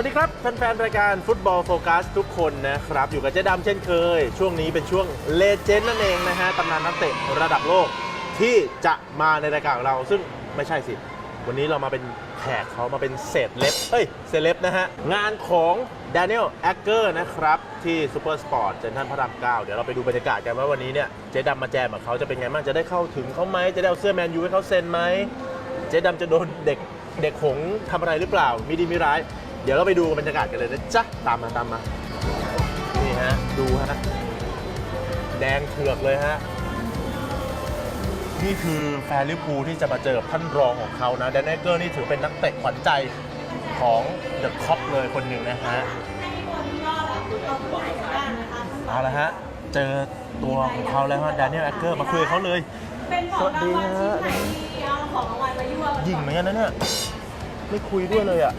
วัสดีครับแฟนๆรายการฟุตบอลโฟกัสทุกคนนะครับอยู่กับเจ๊ดำเช่นเคยช่วงนี้เป็นช่วงเลเจนด์นั่นเองนะฮะตำนานนักเตะระดับโลกที่จะมาในรายการของเราซึ่งไม่ใช่สิวันนี้เรามาเป็นแขกเขามาเป็นเศษเล็บนะฮะงานของ Daniel Agger นะครับที่ซูเปอร์สปอร์ตเซ็นทรัลพระราม 9เดี๋ยวเราไปดูบรรยากาศกันว่าวันนี้เนี่ยเจ๊ดำมาแจมกับเขาจะเป็นไงบ้างจะได้เข้าถึงเขาไหมจะได้เอาเสื้อแมนยูให้เขาเซ็นไหมเจ๊ดำจะโดนเด็กหงทำอะไรหรือเปล่ามีดีมีร้ายเดี๋ยวเราไปดูบรรยากาศกันเลยนะจ๊ะตามมานี่ฮะดูฮะแดงเถือกเลยฮะนี่คือแฟนลิเวอร์พูลที่จะมาเจอท่านรองของเขานะแดนเนเกอร์นี่ถือเป็นนักเตะขวัญใจของเดอะคอปเลยคนหนึ่งนะฮะเอาละฮะเจอตัวของเขาแล้วฮะแดเนียลแอคเกอร์มาคุยกับเขาเลยสวัสดีฮะยิงเหมือนกันนะเนี่ยไม่คุยด้วยเลยอ่ะ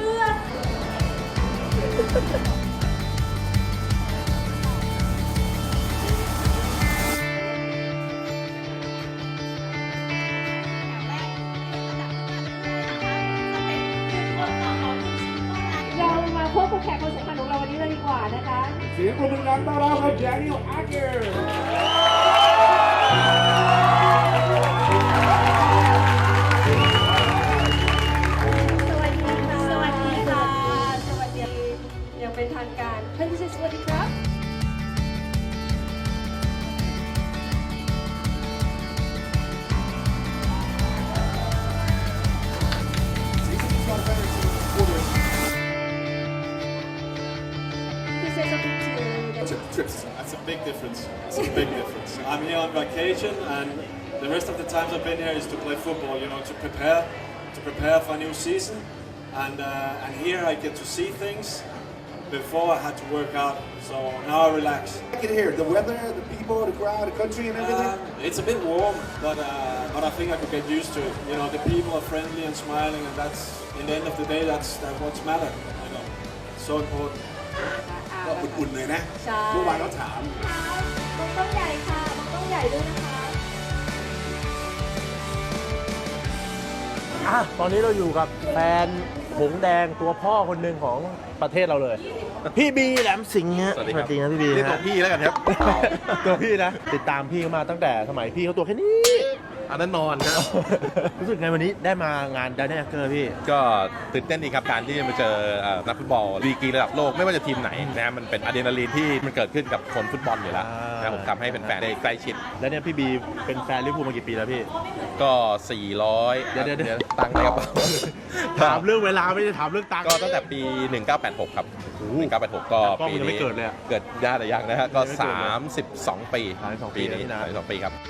เรามาพบกับแขกคนสำคัญของเราวันนี้เลยดีกว่านะคะเสียงปรบมือดังต้อนรับครับ Daniel Agger สวัสดีค่ะ สวัสดีอย่างเป็นทางการท่านผู้ชมสวัสดีครับ That's a big difference. That's a big difference. I'm here on vacation, and the rest of the times I've been here is to play football. You know, to prepare for a new season, and here I get to see things. Before I had to work out, so now I relax. I can hear the weather, the people, the crowd, the country, and everything. It's a bit warm, but I think I could get used to it. You know, the people are friendly and smiling, and that's in the end of the day, that's what's matter. You know, it's so important. ก็อุ่นๆเลยนะใช่เมื่อวานเราถามมองต้องใหญ่ค่ะมองต้องใหญ่ด้วยนะคะตอนนี้เราอยู่กับแฟนหงแดงตัวพ่อคนหนึ่งของประเทศเราเลยพี่บีแหลมสิงห์ฮะสวัสดีครับนะพี่บีเรียกตัวพี่แล้วกันครับตัวพี่นะติดตามพี่เขามาตั้งแต่สมัยพี่เขาตัวแค่นี้อันนั้นนอนครับรู้สึกไงวันนี้ได้มางาน Daniel Agger พี่ก็ตื่นเต้นดีครับการที่จะมาเจอนักฟุตบอลดีกรีระดับโลกไม่ว่าจะทีมไหนนะมันเป็นอะดรีนาลีนที่มันเกิดขึ้นกับคนฟุตบอลอยู่แล้วนะผมทำให้เป็นแฟนได้ใกล้ชิดแล้วเนี่ยพี่บีเป็นแฟนลิเวอร์พูลมากี่ปีแล้วพี่ก็ 400 เดี๋ยวตังค์ในกระเป๋าถามเรื่องเวลาไม่ได้ถามเรื่องตังค์ก็ตั้งแต่ปี 1986 ครับ 1986 ก็กล้องปียังไม่นี้เกิดเลยอะเกิดญาติยังนะฮะก็ยังไม่เกิดเลย 32 ปี 32ปีนะ 32 ปีครับ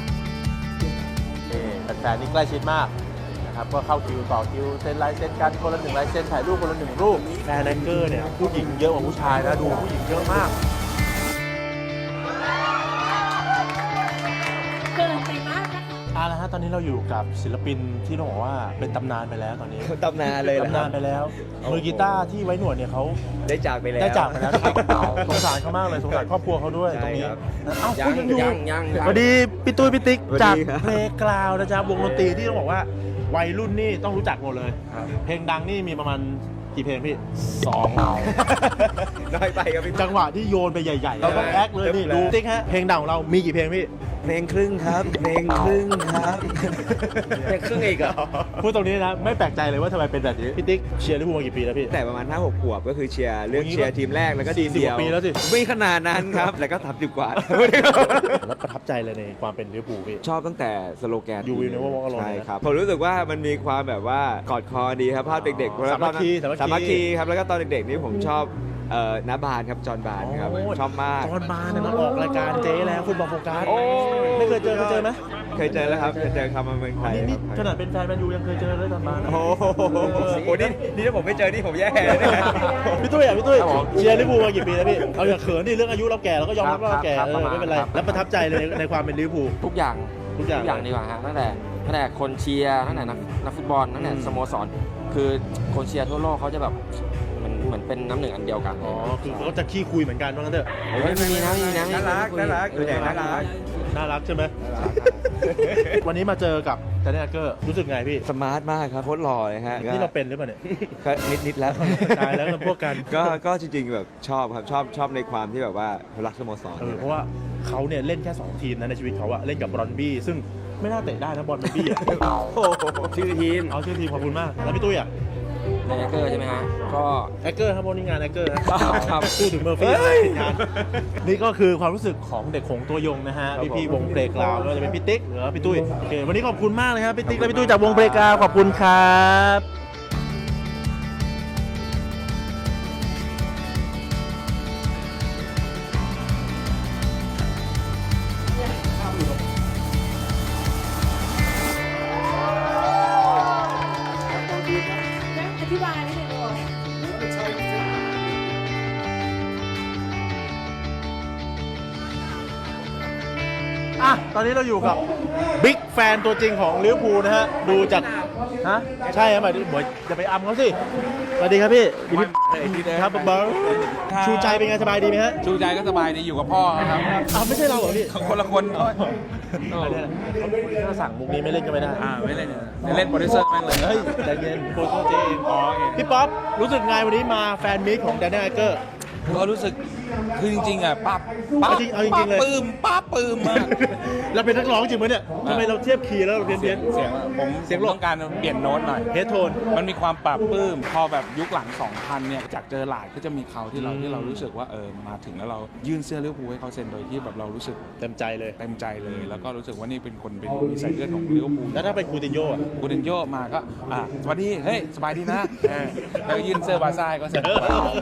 แฟนๆนี่ใกล้ชิดมากนะครับก็เข้าคิวต่อคิวเซ็นลายเซ็นกันคนละ1ลายเซ็นถ่ายรูปคนละ1รูปแฟนแองเกอร์เนี่ยผู้หญิงเยอะกว่าผู้ชายนะดูผู้หญิงเยอะมากเกินไปมากนะคะแล้วฮะตอนนี้เราอยู่กับศิลปินที่ต้องบอกว่าเป็นตำนานไปแล้วตอนนี้ตำนานเลยเหรอตำนานไปแล้วมือกีตาร์ที่ไว้หนวดเนี่ยเขาได้จากไปแล้วได้จากไปแล้วสงสารเขามากเลยสงสารครอบครัวเขาด้วยตรงนี้ใช่ครับเอ้าคุณยังอยู่ยังสวัสดีพี่ตุ้ยพี่ติ๊กสวัสจากดีครับเพลงกราวนะจ๊ะวงดนตรีที่ต้องบอกว่าวัยรุ่นนี่ต้องรู้จักหมดเลย เพลงดังนี่มีประมาณกี่เพลงพี่2 น้อยไปครับพี่จังหวะที่โยนไปใหญ่ๆเราต้องแอคเลยนี่ดูติ๊กฮะเพลงดังของเรามีกี่เพลงพี่เพลงครึ่งครับเพลงครึ่งครับเพลงครึ่งอีกเหรอพูดตรงนี้นะไม่แปลกใจเลยว่าทำไมเป็นแบบนี้พี่ติ๊กเชียร์ลิเวอร์พูลมากี่ปีแล้วพี่แต่ประมาณ 5-6 ขวบก็คือเชียร์เลือกเชียร์ทีมแรกแล้วก็ทีม 40 เดียวกว่าปีแล้วสิไม่ขนาดนั้นครับ แล้วก็30 กว่าแล้วประทับใจเลยในความเป็นลิเวอร์พูลพี่ชอบตั้งแต่สโลแกน You will never walk alone ใช่ครับผมรู้สึกว่ามันมีความแบบว่ากอดคอดีครับภาพเด็กๆสามัคคีสามัคคีครับแล้วก็ตอนเด็กๆนี่ผมชอบน้าบานครับจอห์นบานครับโอ้ชอบมากตอนมาเนี่ยมาออกรายการเจ๊แล้วฟุตบอลโฟกัสโอ้ไม่เคยเจอไหมเคยเจอแล้วครับเคยเจอคำมาเมืองไทยนี่ครับขนาดเป็นแฟนแมนยูยังเคยเจอเลยตอนมานะโอ้โหนี่ถ้าผมไม่เจอนี่ผมแย่เลยเนี่ยพี่ตุ้ยพี่ตุ้ยเชียร์ลิเวอร์พูลมากี่ปีแล้วพี่เอาอย่าเขินดิเรื่องอายุเราแก่เราก็ยอมรับว่าเราแก่ครับประมาณไม่เป็นไรครับแล้วประทับใจเลยในความเป็นลิเวอร์พูลทุกอย่างทุกอย่างดีกว่าฮะตั้งแต่คนเชียร์ตั้งแต่นักฟุตบอลตั้งแต่สโมสรคือคนเชียร์ทั่วโลกเขาจะแบบเหมือนเป็นน้ำหนึ่งอันเดียวกันอ๋อคือเขาจะขี้คุยเหมือนกันว่างั้นเถอะเฮ้ยไม่มีนะน่ารักส่วนใหญ่น่ารักน่ารักใช่ไหมวันนี้มาเจอกับแต่เนี่ยเกอร์รู้สึกไงพี่สมาร์ทมากครับโคตรหล่อเลยฮะนี่เราเป็นหรือเปล่าเนี่ยก็นิดแล้วตายแล้วเราพวกกันก็จริงๆแบบชอบครับชอบในความที่แบบว่ารักสโมสรเพราะว่าเขาเนี่ยเล่นแค่2ทีมนะในชีวิตเขาอะเล่นกับบรอนบี้ซึ่งไม่น่าเตะได้นะบอลบอนบี้อะโอ้โหชื่อทีมเอาชื่อทีมขอบคุณมากแล้วพี่ตุ้ยอะในแอคเกอร์ใช่ไหมฮะก็แอคเกอร์ครับวันนี้งานแอคเกอร์ครับพูดถึงเมอร์ฟี่งานนี่ก็คือความรู้สึกของเด็กของตัวยงนะฮะพี่วงเพลงกราวด์ไม่ว่าจะเป็นพี่ติ๊กหรือว่าพี่ตุ้ยโอเควันนี้ขอบคุณมากเลยครับพี่ติ๊กและพี่ตุ้ยจากวงเพลงกราวด์ขอบคุณครับอธิบายนิดนึงก่อนอ่ะตอนนี้เราอยู่กับบิ๊กแฟนตัวจริงของลิเวอร์พูลนะฮะดูจากฮะใช่ครับหมายถึงจะไปอัมเขาสิสวัสดีครับพี่ครับบอลชูใจเป็นไงสบายดีไหมฮะชูใจก็สบายดีอยู่กับพ่อครับอ้าวไม่ใช่เราเหรอพี่คนละคนถ้าสั่งมุกนี้ไม่เล่นก็ไม่ได้ไม่เล่นเล่นโปรดิวเซอร์แม่งเลยเฮ้ยใจเย็นโปรโตเจงพี่ป๊อปรู้สึกไงวันนี้มาแฟนมิตของแดนนี่ไอเกอร์ก็รู้สึกคือจริงๆอ่ะป้าเอาจริงๆเลยป้าปื้มมากเราเป็นนักร้องจริงไหมเนี่ยทำไมเราเทียบคีย์แล้วเราเพี้ยนเสียงผมเสียงหลบต้องการเปลี่ยนโน้ตหน่อยเฮดโทนมันมีความปรับปลื้มพอแบบยุคหลัง 2000 เนี่ยจากเจอหลาดก็จะมีเขาที่เรารู้สึกว่ามาถึงแล้วเรายื่นเสื้อลิเวอร์พูลให้เขาเซ็นโดยที่แบบเรารู้สึกเต็มใจเลยเต็มใจเลย แล้วก็รู้สึกว่านี่เป็นคนเป็นมีสายเลือดของลิเวอร์พูลแล้วถ้าเป็นคูตินโญ่อะกูเดนโยมาก็สวัสดีเฮ้ยสบายดีนะแล้วยื่นเสื้อบาซ่าให้ก็เสร็จ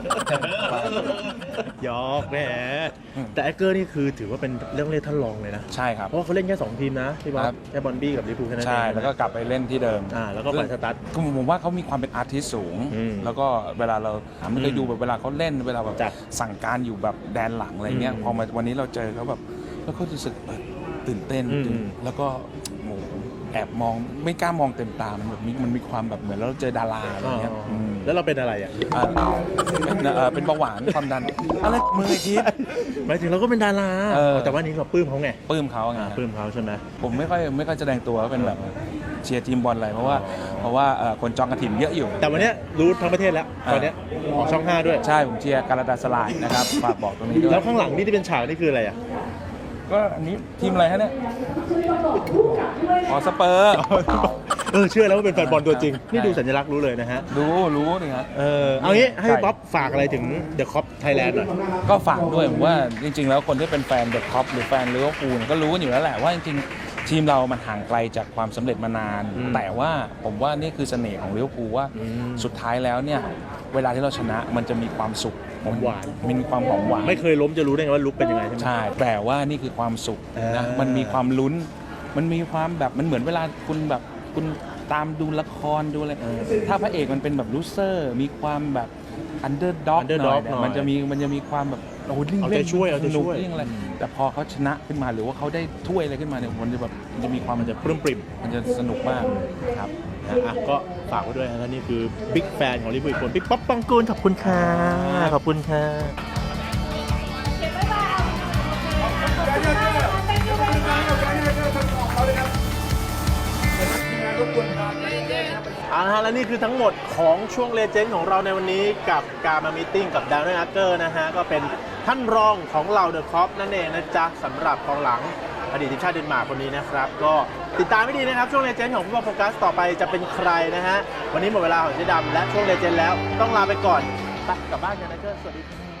หยอกแหมแต่ไอเกอร์นี่คือถือว่าเป็นเรื่องเล่นท่านรองเลยนะใช่ครับเพราะว่าเขาเล่นแค่2ทีมนะพี่บอครัสบแค่บอลบี้กับลิเวอร์พูลแค่นั้นเองใช่แล้วก็กลับไปเล่นที่เดิมแล้วก็ไปสตาร์ทผมว่าเขามีความเป็นอาร์ติสต์สูงอืมแล้วก็เวลาเราไม่เคยดูแบบเวลาเขาเล่นเวลาแบบจ้ะสั่งการอยู่แบบแดนหลังอะไรเงี้ยอืมพอมาวันนี้เราเจอเขาแบบแล้วก็รู้สึกตื่นเต้นอืมแล้วก็โอ้โหแอบมองไม่กล้ามองเต็มตามันมีความแบบเหมือนเราเจอดาราอะไรเงี้ยมแล้วเราเป็นอะไรอ่ะเป็นเบาหวานความดันอะไรมือไอ้ทีหมายถึงเราก็เป็นดารา แต่ว่านี้เราปลื้มเขาไงปลื้มเขาไงปลื้มเขาใช่ไหมผมไม่ค่อยแสดงตัวว่าเป็นแบบเชียร์ทีมบอลอะไรเพราะว่าคนจองกระถิ่นเยอะอยู่แต่วันเนี้ยรู้ทั้งประเทศแล้วตอนเนี้ยออกช่อง 5 ด้วยใช่ผมเชียร์การาตาสลายนะครับฝากบอกตรงนี้ด้วยแล้วข้างหลังนี่ที่เป็นฉากนี่คืออะไรอ่ะก็อันนี้ทีมอะไรฮะเนี่ยอ๋อสเปอร์เชื่อแล้วว่าเป็นแฟนบอลตัวจริงใช่นี่ดูสัญลักษณ์รู้เลยนะฮะรู้นี่ครับเอางี้ให้ใช่บ๊อบฝากอะไรถึงเดอะคอปไทยแลนด์หน่อยก็ฝากด้วยผมว่าจริง ๆ แล้วคนที่เป็นแฟนเดอะคอปหรือแฟนลิเวอร์พูลก็รู้กันอยู่แล้วแหละว่าจริงๆทีมเรามันห่างไกลจากความสำเร็จมานาน แต่ว่าผมว่านี่คือเสน่ห์ของลิเวอร์พูลว่าสุดท้ายแล้วเนี่ยเวลาที่เราชนะมันจะมีความสุขหอมหวานมันมีความหอมหวานไม่เคยล้มจะรู้ได้ไงว่าลุกเป็นยังไงใช่ไหมใช่แต่ว่านี่คือความสุขนะมันมีความลุ้น มันมีความแบบมันเหมือนเวลาคุณตามดูละครดูอะไรถ้าพระเอกมันเป็นแบบลูเซอร์มีความแบบอันเดอร์ด็อกหน่อยเนี่ยมันจะมีความแบบโอ้โหเอาใจช่วยสนุกยิ่งอะไรแต่พอเขาชนะขึ้นมาหรือว่าเขาได้ถ้วยอะไรขึ้นมาเนี่ยมันจะมีความมันจะปลื้มปริ่มมันจะสนุกมากครับก็ฝากไว้ด้วยนะและนี่คือบิ๊กแฟนของลิเวอร์พูลคนพี่ป๊อปปองกูลขอบคุณค่ะขอบคุณค่ะ เอาละฮะและนี่คือทั้งหมดของช่วงเลเจนด์ของเราในวันนี้กับการมามีตติ้งกับดาวน์อาร์เกอร์นะฮะก็เป็นท่านรองของเราเดอะคอปนั่นเองนะจ๊ะสำหรับกองหลังอดีตทีมชาติเดนมาร์กคนนี้นะครับก็ติดตามให้ดีนะครับช่วงเลเจนด์ของฟุตบอลโฟกัสต่อไปจะเป็นใครนะฮะวันนี้หมดเวลาของเจ๊ดำและช่วงเลเจนด์แล้วต้องลาไปก่อนไปกลับบ้านกันนะเจ้สวัสดีครับ